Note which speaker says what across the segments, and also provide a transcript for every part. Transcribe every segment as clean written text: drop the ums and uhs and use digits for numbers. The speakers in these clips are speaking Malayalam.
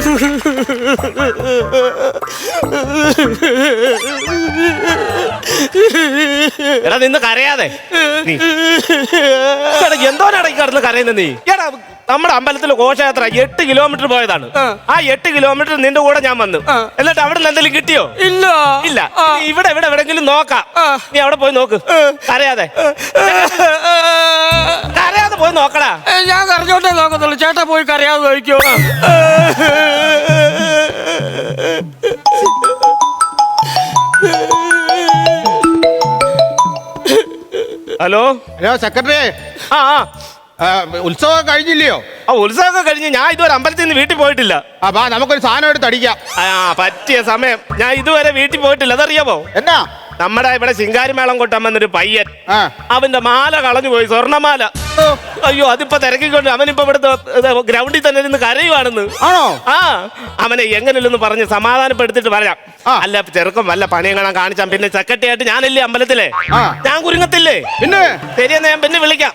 Speaker 1: എടാ നിന്ന് കരയാതെ. എന്തോനടക്കി കിടന്ന് കരയുന്ന നീ? എടാ നമ്മുടെ അമ്പലത്തിലെ ഘോഷയാത്ര 8 കിലോമീറ്റർ പോയതാണ്. ആ 8 കിലോമീറ്റർ നിന്റെ കൂടെ ഞാൻ വന്നു. എന്നിട്ട് അവിടെ നിന്ന് എന്തെങ്കിലും കിട്ടിയോ?
Speaker 2: ഇല്ല.
Speaker 1: ഇല്ല. ഇവിടെ എവിടെങ്കിലും നോക്കാം. നീ അവിടെ പോയി നോക്ക്. കരയാതെ കരയാതെ പോയി നോക്കടാ.
Speaker 2: ഞാൻ കരഞ്ഞോട്ടേ നോക്കത്തുള്ളൂ. ചേട്ടാ പോയി കരയാതെ നോക്കിയോ.
Speaker 1: Hello
Speaker 3: hello secretary. ഉത്സവം കഴിഞ്ഞില്ലയോ?
Speaker 1: ഉത്സവമൊക്കെ കഴിഞ്ഞ് ഞാൻ ഇതുവരെ അമ്പലത്തിൽ നിന്ന് വീട്ടിൽ പോയിട്ടില്ല.
Speaker 3: അപ്പൊ നമുക്കൊരു സാധനം എടുത്ത് അടിക്കാം.
Speaker 1: പറ്റിയ സമയം. ഞാൻ ഇതുവരെ വീട്ടിൽ പോയിട്ടില്ല. അതറിയാമോ?
Speaker 3: എന്നാ?
Speaker 1: നമ്മുടെ ഇവിടെ ശിങ്കാരിമേളം കൊട്ടാൻ വന്നൊരു പയ്യൻ, അവന്റെ മാല കളഞ്ഞു പോയി, സ്വർണ്ണമാല. അയ്യോ, അതിപ്പോ തിരക്കിക്കൊണ്ട് അവനിപ്പോ ഇവിടുത്തെ ഗ്രൗണ്ടിൽ തന്നെ ഇരുന്ന് കരയുവാണെന്ന്.
Speaker 3: ആണോ?
Speaker 1: ആ, അവനെ എങ്ങനെയല്ലെന്ന് പറഞ്ഞ് സമാധാനപ്പെടുത്തിട്ട് വരാം. അല്ല ചെറുക്കം വല്ല പണിയും കാണാൻ കാണിച്ചാൽ പിന്നെ സെക്രട്ടറി ആയിട്ട് ഞാനല്ലേ അമ്പലത്തിലെ, ഞാൻ കുരുങ്ങത്തില്ലേ?
Speaker 3: പിന്നെ
Speaker 1: ശരിയെന്നാ ഞാൻ പിന്നെ വിളിക്കാം.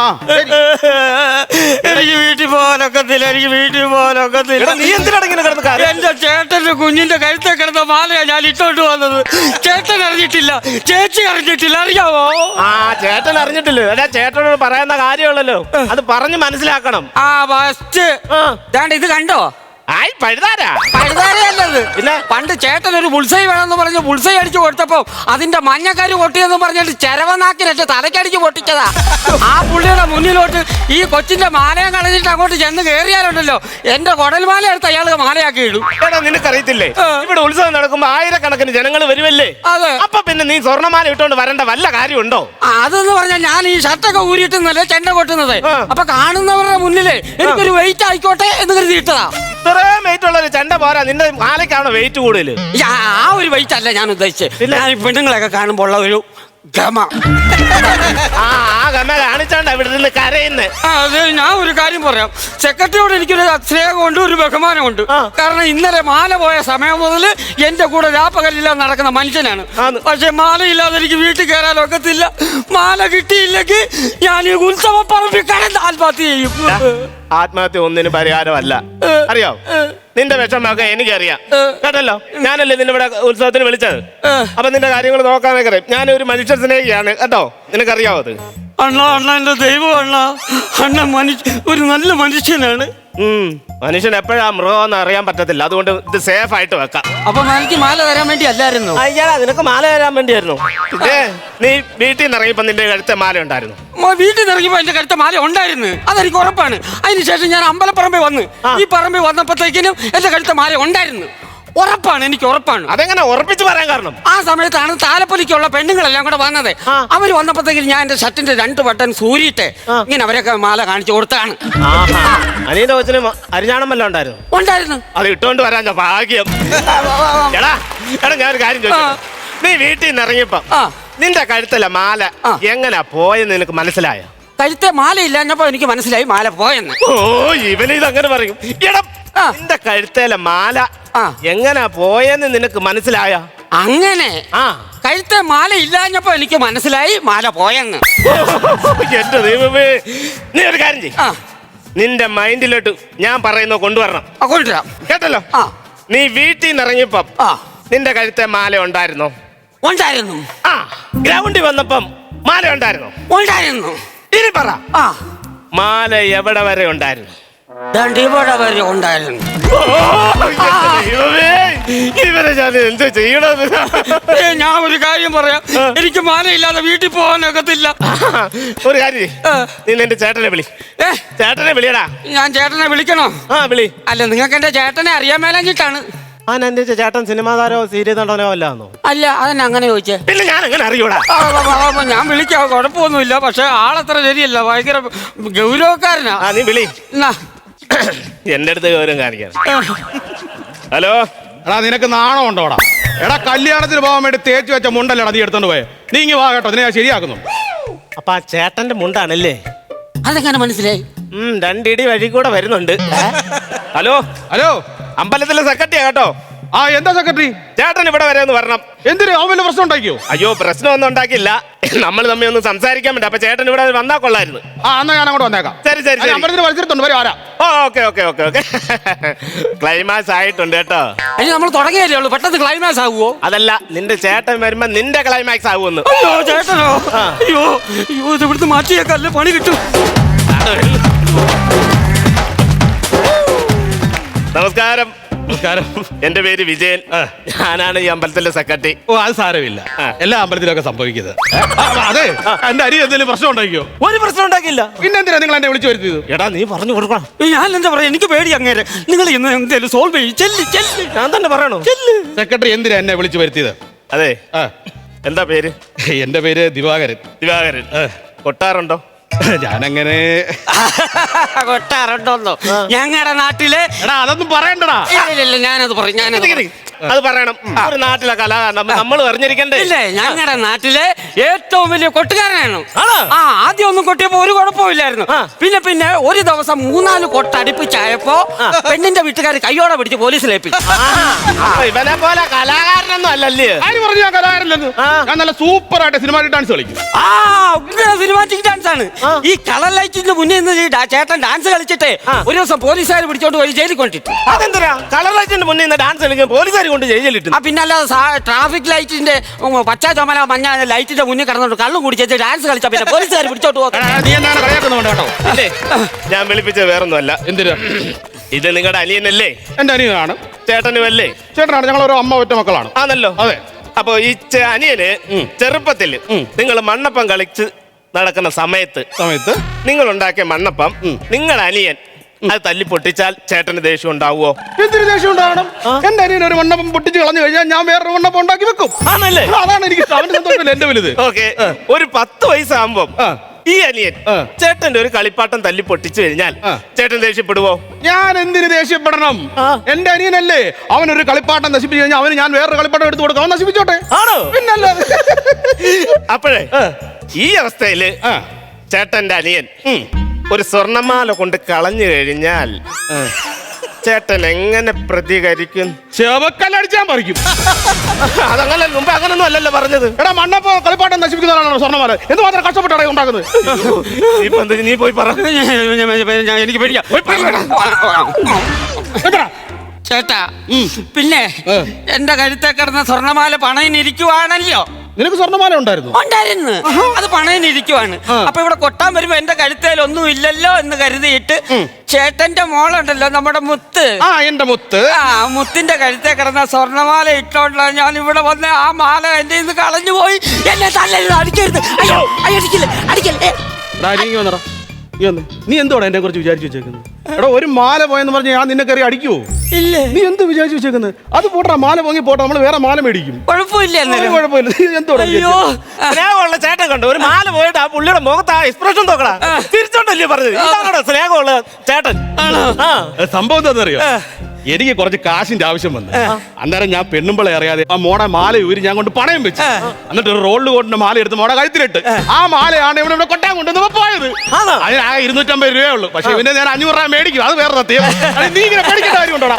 Speaker 2: എനിക്ക് വീട്ടിൽ പോകാനൊക്കത്തില്ല.
Speaker 1: നീ എന്തിനാണ് ഇങ്ങനെ കിടന്ന് കാര്യം?
Speaker 2: എന്റെ ചേട്ടന്റെ കുഞ്ഞിന്റെ കഴുത്തെ കിടന്ന മാലയാ ഞാൻ ഇട്ടോണ്ട് വന്നത്. ചേട്ടൻ അറിഞ്ഞിട്ടില്ല, ചേച്ചി അറിഞ്ഞിട്ടില്ല. അറിയാവോ?
Speaker 1: ചേട്ടൻ അറിഞ്ഞിട്ടില്ല. അല്ല ചേട്ടനോട് പറയുന്ന കാര്യമുള്ളല്ലോ, അത് പറഞ്ഞ് മനസ്സിലാക്കണം.
Speaker 2: ഫസ്റ്റ് ഇത് കണ്ടോ?
Speaker 1: പഴുതാരയല്ലത്.
Speaker 2: പിന്നെ പണ്ട് ചേട്ടൻ ഒരു ബുൾസൈ വേണമെന്ന് പറഞ്ഞ് ബുൾസൈ അടിച്ചു കൊടുത്തപ്പോ അതിന്റെ മഞ്ഞക്കാരി പൊട്ടിയെന്ന് പറഞ്ഞിട്ട് ചെരവനാക്കിനൊക്കെ തലക്കടിച്ച് പൊട്ടിച്ചതാ. ആ പുള്ളിയുടെ മുന്നിലോട്ട് ഈ കൊച്ചിന്റെ മാലയം കളഞ്ഞിട്ട് അങ്ങോട്ട് ചെന്ന് കയറിയാലുണ്ടല്ലോ, എന്റെ കുടൽമാല എടുത്ത് അയാൾ മാലയാക്കി ഇടും.
Speaker 1: നിനക്കറിയത്തില്ലേ, ഇവിടെ ഉത്സവം നടക്കുമ്പോ ആയിരക്കണക്കിന് ജനങ്ങൾ വരുമല്ലേ?
Speaker 2: അതെ.
Speaker 1: അപ്പൊ പിന്നെ നീ സ്വർണ്ണമാല ഇട്ടോണ്ട് വരേണ്ട വല്ല കാര്യമുണ്ടോ?
Speaker 2: അതെന്ന് പറഞ്ഞാൽ ഞാൻ ഈ ഷർട്ടൊക്കെ ഊരിയിട്ടെന്നല്ലേ ചെണ്ട കൊട്ടുന്നത്. അപ്പൊ കാണുന്നവരുടെ മുന്നിലേ എനിക്കൊരു വെയിറ്റ് ആയിക്കോട്ടെ എന്ന് കരുതി ഇട്ടതാ.
Speaker 1: ഇത്രയും വെയിറ്റ് ഉള്ള ഒരു ചെണ്ട പോരാ, നിന്റെ മാലയ്ക്കാണോ വെയിറ്റ് കൂടുതൽ?
Speaker 2: ആ ഒരു വെയിറ്റ് അല്ല ഞാൻ ഉദ്ദേശിച്ചത്. ഞാൻ പെണ്ണുങ്ങളൊക്കെ കാണുമ്പോൾ ഉള്ള ഒരു ഗമ.
Speaker 1: ആ ഗമ കാണിച്ചാണ്ട ഇവിടെ നിന്ന് കരയുന്നേ.
Speaker 2: അതെ, ഞാൻ ഒരു കാര്യം പറയാം. സെക്രട്ടറിയോട് എനിക്കൊരു സ്നേഹമുണ്ട്, ഒരു ബഹുമാനമുണ്ട്. കാരണം ഇന്നലെ മാല പോയ സമയം മുതൽ എന്റെ കൂടെ രാപ്പകലില്ലാതെ നടക്കുന്ന മനുഷ്യനാണ്. പക്ഷെ മാലയില്ലാതെ എനിക്ക് വീട്ടിൽ കയറാൻ ഒക്കത്തില്ല. മാല കിട്ടിയില്ലെങ്കിൽ ഞാൻ ഈ ഉത്സവ പറമ്പിൽ കടന്ന് ആത്മഹത്യ ചെയ്യും.
Speaker 1: ആത്മഹത്യ ഒന്നിനും പരിഹാരമല്ല, അറിയോ? നിന്റെ വിഷമൊക്കെ എനിക്കറിയാം കേട്ടല്ലോ. ഞാനല്ലേ നിന്നെ ഇവിടെ ഉത്സവത്തിന് വിളിച്ചത്. അപ്പൊ നിന്റെ കാര്യങ്ങൾ നോക്കാനൊക്കെ അറിയാം. ഞാനൊരു മനുഷ്യ സ്നേഹിയാണ് കേട്ടോ, നിനക്കറിയാവോ അത്?
Speaker 2: അണ്ണ എന്റെ ദൈവം അണ്ണ ഒരു നല്ല മനുഷ്യനാണ്.
Speaker 1: മനുഷ്യൻ എപ്പോഴാ മൃഗമെന്ന് അറിയാൻ പറ്റത്തില്ല. അതുകൊണ്ട് ഇത് സേഫ് ആയിട്ട് വെക്കാം.
Speaker 2: അപ്പൊ എനിക്ക് മാല തരാൻ വേണ്ടി അല്ലായിരുന്നു?
Speaker 1: അയ്യാ, നിനക്ക് മാല തരാൻ വേണ്ടിയായിരുന്നു. നീ വീട്ടിൽ നിന്ന് ഇറങ്ങിയപ്പോ നിന്റെ കഴുത്തെ മാല ഉണ്ടായിരുന്നു?
Speaker 2: വീട്ടിൽ നിന്ന് ഇറങ്ങിയപ്പോ എന്റെ കഴുത്തെ മാല ഉണ്ടായിരുന്നു, അതെനിക്ക് ഉറപ്പാണ്. അതിനുശേഷം ഞാൻ അമ്പലപ്പറമ്പിൽ വന്ന് ഈ പറമ്പിൽ വന്നപ്പോഴത്തേക്കിനും എന്റെ കഴുത്തെ മാല ഉണ്ടായിരുന്നു. ഉറപ്പാണ്, എനിക്ക് ഉറപ്പാണ്.
Speaker 1: അതെങ്ങനെ ഉറപ്പിച്ച് പറയാൻ കാരണം?
Speaker 2: ആ സമയത്താണ് താലപ്പൊലിക്കുള്ള പെണ്ണുങ്ങളെല്ലാം കൂടെ വന്നത്. അവര് വന്നപ്പോഴത്തേക്കും ഞാൻ എന്റെ ഷർട്ടിന്റെ 2 ബട്ടൺ സൂരിയിട്ട് ഇങ്ങനെ അവരൊക്കെ മാല കാണിച്ചു കൊടുത്താണ്.
Speaker 1: അനിയന്റെ കൊച്ചിന് അരിഞ്ഞാണം വല്ലതും ഉണ്ടായിരുന്നു? അത് ഇട്ടോണ്ട് വരാൻ ഭാഗ്യം. എടാ ഞാനൊരു കാര്യം ചോദിച്ചു. നീ വീട്ടിൽ നിന്ന് ഇറങ്ങിയപ്പോ നിന്റെ കഴുത്തല്ല മാല എങ്ങനാ പോയെന്ന് നിനക്ക് മനസ്സിലായോ?
Speaker 2: കഴുത്തെ മാല ഇല്ലാഞ്ഞപ്പോ എനിക്ക് മനസ്സിലായി മാല പോയെന്ന്.
Speaker 1: ഓ, ഇവന് ഇതങ്ങനെ പറയും. എടാ, നിന്റെ കഴുത്തേലെ മാല എങ്ങനാ പോയെന്ന് നിനക്ക് മനസ്സിലായ?
Speaker 2: അങ്ങനെ കഴുത്തെ മാല ഇല്ലാഞ്ഞപ്പോ എനിക്ക് മനസ്സിലായി മാല പോയെന്ന്.
Speaker 1: എന്റെ ദൈവമേ, നീ ഒരു കാര്യം ചെയ്യ്. നിന്റെ മൈൻഡിലോട്ട് ഞാൻ പറയുന്ന കൊണ്ടുവരണം.
Speaker 2: കൊണ്ടുവരാം,
Speaker 1: കേട്ടല്ലോ. നീ വീട്ടിൽ നിന്ന് ഇറങ്ങിയപ്പം നിന്റെ കഴുത്തെ മാല ഉണ്ടായിരുന്നോ?
Speaker 2: ഉണ്ടായിരുന്നു.
Speaker 1: ഗ്രൗണ്ടിൽ വന്നപ്പം മാല ഉണ്ടായിരുന്നോ?
Speaker 2: ഉണ്ടായിരുന്നു.
Speaker 1: ഇനി പറ, മാല എവിടെ വരെ ഉണ്ടായിരുന്നു?
Speaker 2: ഇവിടെ വരെ ഉണ്ടായിരുന്നു.
Speaker 1: ഇവരെ ഞാൻ എന്ത് ചെയ്യണത്?
Speaker 2: ഞാൻ ഒരു കാര്യം പറയാം, എനിക്ക് മാലയില്ലാതെ വീട്ടിൽ പോകാനൊക്കത്തില്ല.
Speaker 1: ഒരു കാര്യം, നീ എന്റെ ചേട്ടനെ വിളി. ചേട്ടനെ വിളിയടാ.
Speaker 2: ഞാൻ ചേട്ടനെ വിളിക്കണോ?
Speaker 1: വിളി.
Speaker 2: അല്ല, നിങ്ങൾക്ക് എന്റെ ചേട്ടനെ അറിയാൻ മേലഞ്ഞിട്ടാണ്.
Speaker 1: എന്റെ ചേട്ടൻ സിനിമാ താരോ സീരിയൽ നടനോ അല്ലാന്നോ?
Speaker 2: അല്ല, അതെന്നെ അങ്ങനെ ചോദിച്ചേ.
Speaker 1: പിന്നെ ഞാൻ എങ്ങനെ അറിയൂടാ?
Speaker 2: ഞാൻ വിളിക്കാം, കുഴപ്പമൊന്നുമില്ല. പക്ഷെ ആളത്ര ശരിയല്ല, ഭയങ്കര ഗൗരവക്കാരനാ.
Speaker 1: നീ വിളി. എന്റെ അടുത്ത് ഗൗരവം കാണിക്കാൻ. ഹലോ.
Speaker 3: എടാ, നിനക്ക് നാണം ഉണ്ടോടാ? എടാ, കല്യാണത്തിന് പോകാൻ വേണ്ടി തേച്ച് വെച്ച മുണ്ടല്ലടാ നീ എടുത്തോണ്ട് പോയെ. നീ ഇങ്ങ് വാ കേട്ടോ, നിന്നെ ഞാൻ ശരിയാക്കുന്നു.
Speaker 1: അപ്പൊ ആ ചേട്ടന്റെ മുണ്ടാണല്ലേ?
Speaker 2: അതെങ്ങനെ മനസ്സിലായി?
Speaker 1: 2 ഇടി വഴി കൂടെ വരുന്നുണ്ട്. ഹലോ.
Speaker 3: ഹലോ,
Speaker 1: അമ്പലത്തിലെ സെക്രട്ടറിയാ കേട്ടോ.
Speaker 3: ആ എന്താ സെക്രട്ടറി?
Speaker 1: ചേട്ടൻ ഇവിടെ വരെ ഒന്ന് വരണം.
Speaker 3: എന്തിനു? അവൻ വല്ല പ്രശ്നം ഉണ്ടാക്കിയോ?
Speaker 1: അയ്യോ, പ്രശ്നമൊന്നും ഉണ്ടാക്കില്ല. നമ്മൾ തമ്മിൽ ഒന്ന് സംസാരിക്കാൻ വേണ്ടി. അപ്പൊ ചേട്ടൻ ഇവിടെ വന്നാ കൊള്ളായിരുന്നു.
Speaker 3: ആ എന്നാ ഞാൻ അങ്ങോട്ട് വന്നേക്കാം.
Speaker 1: ശരി ശരി ശരി.
Speaker 3: അമ്പലത്തിന് വലിച്ചിട്ടുണ്ട്, വരും ആരാ?
Speaker 1: Oh okay okay okay okay. Climax ആയിട്ടുണ്ട് കേട്ടോ.
Speaker 2: ഇനി നമ്മൾ തുടങ്ങിയല്ലേ ഉള്ളൂ, പെട്ടെന്ന് ക്ലൈമാക്സ് ആകുവോ?
Speaker 1: അതല്ല, നിന്റെ ചേട്ടൻ വരുമ്പോ നിന്റെ ക്ലൈമാക്സ് ആകുമെന്ന്.
Speaker 2: അയ്യോ ചേട്ടനോ? അയ്യോ അയ്യോ, ഇത് ഇവിടുന്ന് മാറ്റിയേക്കല്ലേ, പണി കിട്ടും.
Speaker 1: നമസ്കാരം.
Speaker 3: നമസ്കാരം.
Speaker 1: എന്റെ പേര് വിജയൻ. ഞാനാണ് ഈ അമ്പലത്തിലെ സെക്രട്ടറി.
Speaker 3: ഓ അത് സാരമില്ല, എല്ലാ അമ്പലത്തിലൊക്കെ സംഭവിക്കുന്നത്. അതെ, എന്റെ അരി എന്തെങ്കിലും പ്രശ്നം ഉണ്ടാക്കിയോ?
Speaker 1: ഒരു പ്രശ്നം ഉണ്ടാക്കില്ല.
Speaker 3: പിന്നെന്തിനാ നിങ്ങൾ എന്നെ വിളിച്ചു വരുത്തിയത്?
Speaker 1: എടാ നീ പറഞ്ഞു കൊടുക്കണം.
Speaker 2: ഞാൻ എന്താ പറയാ, എനിക്ക് പേടി അങ്ങേരെ. നിങ്ങൾ ഇന്ന് എന്തേലും സോൾവ് ചെയ്യും. ചെല്ല് ചെല്ല്.
Speaker 1: ഞാൻ തന്നെ പറയണോ?
Speaker 3: സെക്രട്ടറി എന്തിനാ എന്നെ വിളിച്ചു വരുത്തിയത്?
Speaker 1: അതെ,
Speaker 3: ആ,
Speaker 1: എന്താ പേര്?
Speaker 3: എന്റെ പേര് ദിവാകരൻ.
Speaker 1: ദിവാകരൻ. കൊട്ടാറുണ്ടോ?
Speaker 3: ഞാനങ്ങനെ
Speaker 2: കൊട്ടാറുണ്ടോന്നോ? ഞങ്ങളുടെ നാട്ടിലെ
Speaker 3: എടാ അതൊന്നും പറയണ്ടടാ.
Speaker 2: ഇല്ല ഞാനത് പറയും, ഞാനത് പറയും.
Speaker 1: അത് പറയണം. ഒരു നാട്ടിലെ കലാകാരൻ നമ്മൾ അറിഞ്ഞിരിക്കണ്ടേ?
Speaker 2: ഇല്ലേ, ഞങ്ങളുടെ നാട്ടിലെ ഏറ്റവും വലിയ കൊട്ടുകാരനാണ്.
Speaker 1: ആണോ?
Speaker 2: ആ, ആദ്യം ഒന്നും കൊട്ടിയപ്പോ ഒരു കുഴപ്പമില്ലായിരുന്നു. പിന്നെ പിന്നെ ഒരു ദിവസം 3-4 കൊട്ട് അടുപ്പിച്ചായപ്പോ പെണ്ണിന്റെ വീട്ടുകാർ കയ്യോടെ പിടിച്ച് പോലീസിൽ ഏൽപ്പിച്ചു.
Speaker 1: ഇവനെ പോലെ കലാകാരനൊന്നും അല്ലല്ലേ?
Speaker 3: ആര് പറഞ്ഞു ഞാൻ കലാകാരല്ലെന്ന്? ഞാൻ നല്ല സൂപ്പർ ആയിട്ട് സിനിമാറ്റിക് ഡാൻസ് കളിക്കും.
Speaker 2: ആ, സിനിമാറ്റിക് ഡാൻസ് ആണ്. ഈ കളർ ലൈറ്റിന്റെ മുന്നിൽ നിന്ന് ചേട്ടൻ ഡാൻസ് കളിച്ചിട്ട് ഒരു ദിവസം പോലീസുകാർ പിടിച്ചോണ്ട് പോയി ജയിലിൽ കൊണ്ടിട്ടു.
Speaker 1: അതെന്തിനാ കളർ ലൈറ്റിന്റെ മുന്നിൽ നിന്ന് ഡാൻസ് കളിക്കാൻ പോലീസുകാർ കൊണ്ട് ജയിലിട്ടു?
Speaker 2: ആ, പിന്നല്ലാതെ ട്രാഫിക് ലൈറ്റിന്റെ പച്ച ചുമല മഞ്ഞ ലൈറ്റിന്റെ മുന്നിൽ കിടന്നോണ്ട് കള്ളും കുടിച്ച് ഡാൻസ് കളിച്ചാ പിന്നെ പോലീസുകാർ പിടിച്ചോട്ട് പോകും.
Speaker 3: നീ എന്താണ് കളിയാക്കുന്നുണ്ട് കേട്ടോ?
Speaker 1: ഇല്ലേ, ഞാൻ വിളിപ്പിച്ചത് വേറൊന്നുമല്ല.
Speaker 3: എന്തിനാ?
Speaker 1: ഇത് നിങ്ങളുടെ അനിയനല്ലേ?
Speaker 3: എന്റെ അനിയനാണ്.
Speaker 1: ചേട്ടനും അല്ലേ?
Speaker 3: ചേട്ടനാണ്. ഞങ്ങൾ ഒരു അമ്മ ഒറ്റ മക്കളാണ്.
Speaker 1: ആണല്ലോ.
Speaker 3: അതെ.
Speaker 1: അപ്പൊ ഈ അനിയന് ചെറുപ്പത്തിൽ നിങ്ങൾ മണ്ണപ്പം കളിച്ച് നടക്കുന്ന സമയത്ത് നിങ്ങൾ ഉണ്ടാക്കിയ മണ്ണപ്പം നിങ്ങളുടെ അനിയൻ അത് തല്ലി പൊട്ടിച്ചാൽ ചേട്ടന് ദേഷ്യം ഉണ്ടാവുമോ?
Speaker 3: എന്തിനു ദേഷ്യം ഉണ്ടാവണം? എന്റെ അനിയൻ ഒരു മണ്ണപ്പം പൊട്ടിച്ച് കളഞ്ഞു കഴിഞ്ഞാൽ ഞാൻ വേറൊരു മണ്ണപ്പം ഉണ്ടാക്കി വെക്കും.
Speaker 1: ആണല്ലേ?
Speaker 3: അതാണ് എനിക്ക് സന്തോഷമില്ല എന്റെ വലുത്.
Speaker 1: ഓക്കെ, ഒരു 10 വയസ്സാകുമ്പോ ഈ അനിയൻ ചേട്ടന്റെ ഒരു കളിപ്പാട്ടം തല്ലി പൊട്ടിച്ചു കഴിഞ്ഞാൽ ചേട്ടൻ ദേഷ്യപ്പെടുവോ?
Speaker 3: ഞാൻ എന്തിനു ദേഷ്യപ്പെടണം? എന്റെ അനിയനല്ലേ, അവനൊരു കളിപ്പാട്ടം നശിപ്പിച്ചു കഴിഞ്ഞാൽ അവന് ഞാൻ വേറൊരു കളിപ്പാട്ടം എടുത്തു കൊടുക്കാം. അവൻ നശിപ്പിച്ചോട്ടെ.
Speaker 1: ആണോ?
Speaker 3: പിന്നല്ലേ.
Speaker 1: അപ്പോഴേ ഈ അവസ്ഥയില് ചേട്ടന്റെ അനിയൻ ഒരു സ്വർണ്ണമാല കൊണ്ട് കളഞ്ഞു കഴിഞ്ഞാൽ ചേട്ടൻ എങ്ങനെ പ്രതികരിക്കും?
Speaker 3: ചെവക്കല്ലടിച്ചാൻ പറിക്കും.
Speaker 1: അതങ്ങനെ മുമ്പ് അങ്ങനൊന്നും അല്ലല്ലോ പറഞ്ഞത്.
Speaker 3: എടാ മണ്ണപ്പോ കളിപ്പാട്ടം നശിപ്പിക്കുന്നതാണോ സ്വർണ്ണമാല? എന്തുമാത്രം കഷ്ടപ്പെട്ടാണ് ഉണ്ടാക്കുന്നത്?
Speaker 1: ഇപ്പൊ നീ പോയി പറ.
Speaker 2: എനിക്ക് പേടിയാ. ചേട്ടാ, പിന്നെ എന്റെ കഴുത്തെ കിടന്ന സ്വർണ്ണമാല പണയിനിരിക്കുവാണല്ലോ.
Speaker 3: നിനക്ക് സ്വർണ്ണമാല ഉണ്ടായിരുന്നു?
Speaker 2: ഉണ്ടായിരുന്നു. അത് പണയിനിരിക്കുവാണ്. അപ്പൊ ഇവിടെ കൊട്ടാൻ വരുമ്പോ എന്റെ കഴുത്തേൽ ഒന്നും ഇല്ലല്ലോ എന്ന് കരുതിയിട്ട് ചേട്ടന്റെ മോളുണ്ടല്ലോ, നമ്മുടെ മുത്ത്.
Speaker 3: ആ, എന്റെ മുത്ത്.
Speaker 2: ആ, മുത്തിന്റെ കഴുത്തെ കിടന്ന സ്വർണ്ണമാല ഇട്ടോണ്ടാ ഞാൻ ഇവിടെ വന്ന് ആ മാല എന്റെ ഇന്ന് കളഞ്ഞു പോയി. എന്നെ തല്ലരുത്, അടിക്കരുത്. അയ്യോ, അടിക്കില്ല, അടിക്കല്ലേ.
Speaker 3: നീ എന്തോടാ എന്നെ കുറിച്ച് വിചാരിച്ചു വെച്ചേക്കുന്നത്? എടാ, ഒരു മാല പോയെന്ന് പറഞ്ഞ് ഞാൻ നിന്നെ കയറി അടിക്കുവോ?
Speaker 2: ഇല്ല.
Speaker 3: നീ എന്ത് വിചാരിച്ചു വെച്ചേക്കുന്നത്? അത് പോട്ടെ, മാല പോങ്ങി പോട്ടെ, നമ്മൾ വേറെ മാല മേടിക്കും.
Speaker 2: കുഴപ്പമില്ല.
Speaker 3: കുഴപ്പമില്ല. നീ എന്തോടാ?
Speaker 2: അയ്യോ,
Speaker 1: സ്നേഹമുള്ള ചേട്ടൻ കണ്ടു ഒരു മാല പോയിട്ട് ആ പുള്ളിയുടെ മുഖത്ത് ആ എക്സ്പ്രഷൻ നോക്കടാ. തിരിച്ചോണ്ടല്ലേ പറഞ്ഞത്? ഇതാണോ സ്നേഹമുള്ള ചേട്ടൻ?
Speaker 3: സംഭവം എന്താണെന്നറിയോ? എനിക്ക് കുറച്ച് കാശിന്റെ ആവശ്യം വന്നു. അന്നേരം ഞാൻ പെണ്ണുമ്പളെ അറിയാതെ ആ മോടെ മാല ഊരി ഞാൻ കൊണ്ട് പണയം വെച്ചു. എന്നിട്ട് ഒരു റോളിൽ കൊണ്ട മാല എടുത്ത് മോടെ കഴുത്തിലിട്ട് ആ മാലയാണ് ഇവിടെ കൊട്ടാൻ കൊണ്ടുവന്ന് പോയത്. അതിന് ആ 250 രൂപയേ ഉള്ളൂ. പക്ഷെ ഇവന്റെ ഞാൻ 500 രൂപ മേടിക്കും. അത് വേറെ സത്യം. നീ ഇങ്ങനെ പേടിക്കേണ്ട കാര്യം ഉണ്ടോടാ?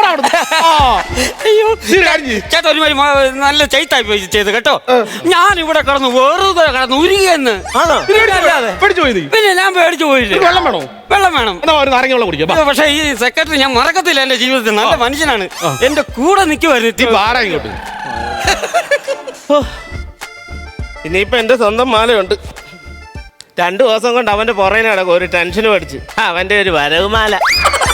Speaker 2: ചേട്ടാ, ഒരു നല്ല ചെയ്ത്തായി പോയി ചെയ്ത് കേട്ടോ. ഞാൻ ഇവിടെ കിടന്നു വെറുതെ കിടന്നു ഉരുകിയെന്ന്.
Speaker 3: പേടിച്ചു പോയി?
Speaker 2: പിന്നെ ഞാൻ പേടിച്ചു പോയില്ലേ.
Speaker 3: വെള്ളം വേണോ?
Speaker 2: വെള്ളം വേണം.
Speaker 3: എന്നാ ഒരു നാരങ്ങ വെള്ളം കുടിക്കാം.
Speaker 2: പക്ഷെ ഈ സെക്രട്ടറി ഞാൻ മറക്കത്തില്ല. എന്റെ ജീവിതത്തിൽ നല്ല മനുഷ്യനാണ്. എന്റെ കൂടെ നിൽക്കുമായിരുന്നു.
Speaker 3: ആരാ ഇങ്ങോട്ട്?
Speaker 1: ഇനിയിപ്പൊ എന്റെ സ്വന്തം മാലയുണ്ട്. 2 ദിവസം കൊണ്ട് അവന്റെ പുറകെ നടക്കും. ഒരു ടെൻഷനും അടിച്ച് അവന്റെ ഒരു വരവ് മാല.